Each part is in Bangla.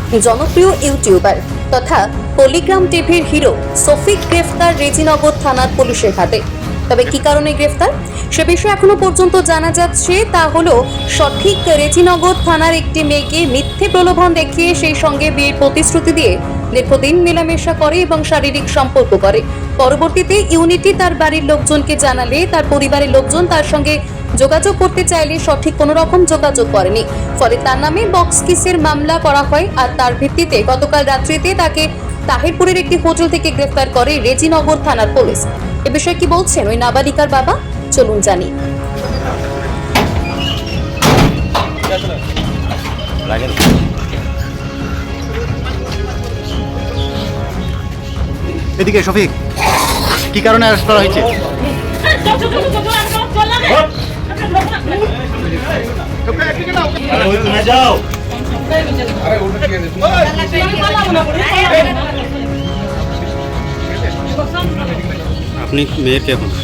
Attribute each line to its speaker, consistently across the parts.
Speaker 1: জনপ্রিয় ইউটিউবার তথা পলিগ্রাম টিভির হিরো শফিক গ্রেফতার রেজিনগর থানার পুলিশের হাতে। তবে কি কারণে গ্রেফতার সে বিষয়ে এখনো পর্যন্ত জানা যাচ্ছে তা হলো সঠিক রেজিনগর থানার একটি মেয়েকে মিথ্যে প্রলোভন দেখিয়ে সেই সঙ্গে বিয়ের প্রতিশ্রুতি দিয়ে দীর্ঘদিন মেলামেশা করে এবং শারীরিক সম্পর্ক করে। পরবর্তীতে ইউনিটি তার বাড়ির লোকজনকে জানালে তার পরিবারের লোকজন তার সঙ্গে যোগাযোগ করতে চাইলে সঠিক কোনো রকম যোগাযোগ করেনি। ফলে তার নামে বক্স কিসের মামলা করা হয় আর তার ভিত্তিতে গতকাল রাত্রিতে তাকে তাহিরপুরের একটি হোটেল থেকে গ্রেফতার করে রেজিনগর থানার পুলিশ। এ বিষয়ে কি বলছেন ওই নাবালিকার বাবা, চলুন জানি।
Speaker 2: এদিকে শফিক, কি কারণে অ্যারেস্ট করা হয়েছে?
Speaker 3: আপনি মেয়ের কে এখন?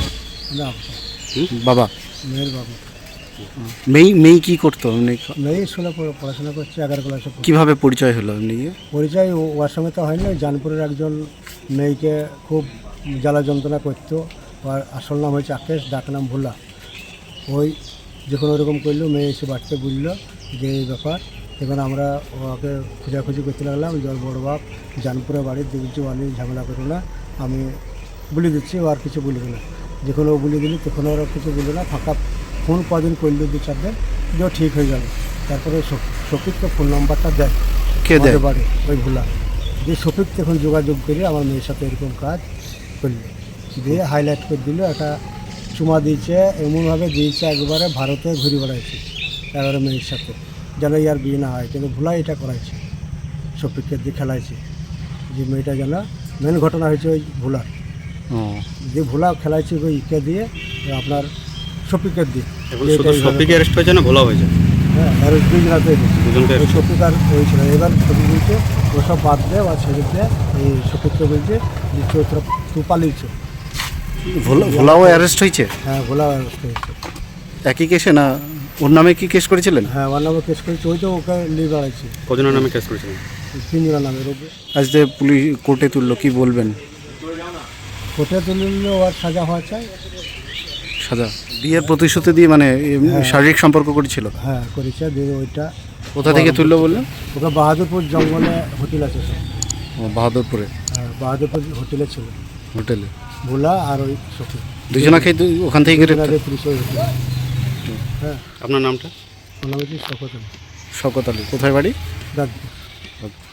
Speaker 2: বাবা,
Speaker 4: মেয়ের বাবা।
Speaker 2: মেয়ে কি করতো?
Speaker 4: মেয়ে স্কুলে পড়াশোনা করছে, 11 ক্লাসে।
Speaker 2: কিভাবে পরিচয় হলো এমনি?
Speaker 4: পরিচয় ওর সঙ্গে তো হয়নি। জানপুরের একজন মেয়েকে খুব জ্বালা যন্ত্রণা করতো। ওর আসল নাম হয়েছে আকেশ, ডাক নাম ভোলা। ওই যখন ওরকম করলো, মেয়ে এসে বাড়িতে বুঝলো যে এই ব্যাপার। এখন আমরা ওকে খোঁজাখুঁজি করতে লাগলাম। জল বড় বাপ জানপুরে বাড়ির দেখছি, অনেক ঝামেলা করো না, আমি বলে দিচ্ছি, ও আর কিছু বলবে না। যখন ও বলে দিলি তখন ওরা কিছু বললো না। ফাঁকা ফোন কদিন করলো, 2-4 দিন, যে ঠিক হয়ে গেল। তারপরে শফিককে ফোন নাম্বারটা দেয়,
Speaker 2: কে দেয়?
Speaker 4: বাড়ি ওই ভোলা। যে শফিক তখন যোগাযোগ করে আমার মেয়ের সাথে এরকম কাজ করলো, দিয়ে হাইলাইট করে দিল। একটা চুমা দিয়েছে, এমনভাবে দিয়েছে একবারে ভারতে ঘুরে বেড়াইছে এবারে মেয়ের সাথে, যেন ইয়ার বিয়ে না হয়। কিন্তু ভোলা এটা করাইছে, শফিককে দিয়ে খেলাইছে যে মেয়েটা যেন। মেন ঘটনা হয়েছে ওই ভোলার, যে ভোলা খেলাইছে ওই ইকে দিয়ে, আপনার শফিকের দিয়ে।
Speaker 3: এখন শুধু শফিক অ্যারেস্ট হয়েছে না ভোলা হয়েছে?
Speaker 4: হ্যাঁ, আর ওই দুজনাতে
Speaker 3: দুজনকে
Speaker 4: ওই শফিক আর হয়েছিল। এবার শফিক বলছে ওসব বাদ দেয় আর ছেড়ে দেয়। এই শফিককে বলছে যে চৈত্র তু পালিয়েছে।
Speaker 2: ভোলাও অ্যারেস্ট হয়েছে?
Speaker 4: হ্যাঁ, ভোলা অ্যারেস্ট হয়েছে।
Speaker 2: একই কেসে না? ওর নামে কি কেস করেছিলেন?
Speaker 4: হ্যাঁ, ওর নামে কেস করেছে। ওই তো ওকে নিয়ে বেড়াইছে।
Speaker 3: কজনের নামে কেস করেছিলেন?
Speaker 4: 3 জনের নামে রোগে।
Speaker 2: আজ যে পুলিশ কোর্টে তুললো, কি বলবেন?
Speaker 4: কোর্টে তুললে ওর সাজা হওয়া চাই।
Speaker 2: সাজা? বিয়ের প্রতিশ্রুতি দিয়ে মানে শারীরিক সম্পর্ক করেছিল?
Speaker 4: হ্যাঁ, করেছে। দিয়ে ওইটা
Speaker 2: কোথা থেকে তুললো বললেন?
Speaker 4: ওকে বাহাদুরপুর জঙ্গলে হোটেল আছে সব।
Speaker 2: বাহাদুরপুরে?
Speaker 4: হ্যাঁ, বাহাদুরপুর হোটেলে ছিল
Speaker 2: হোটেলে
Speaker 4: ভোলা আর ওই শফিক।
Speaker 2: দুজনাকে ওখান থেকে গ্রেফতার?
Speaker 4: হ্যাঁ।
Speaker 3: আপনার নামটা?
Speaker 4: ওর নাম হচ্ছে শকত আলী।
Speaker 2: শওকত আলী। কোথায় বাড়ি?
Speaker 4: দাঁতপুর।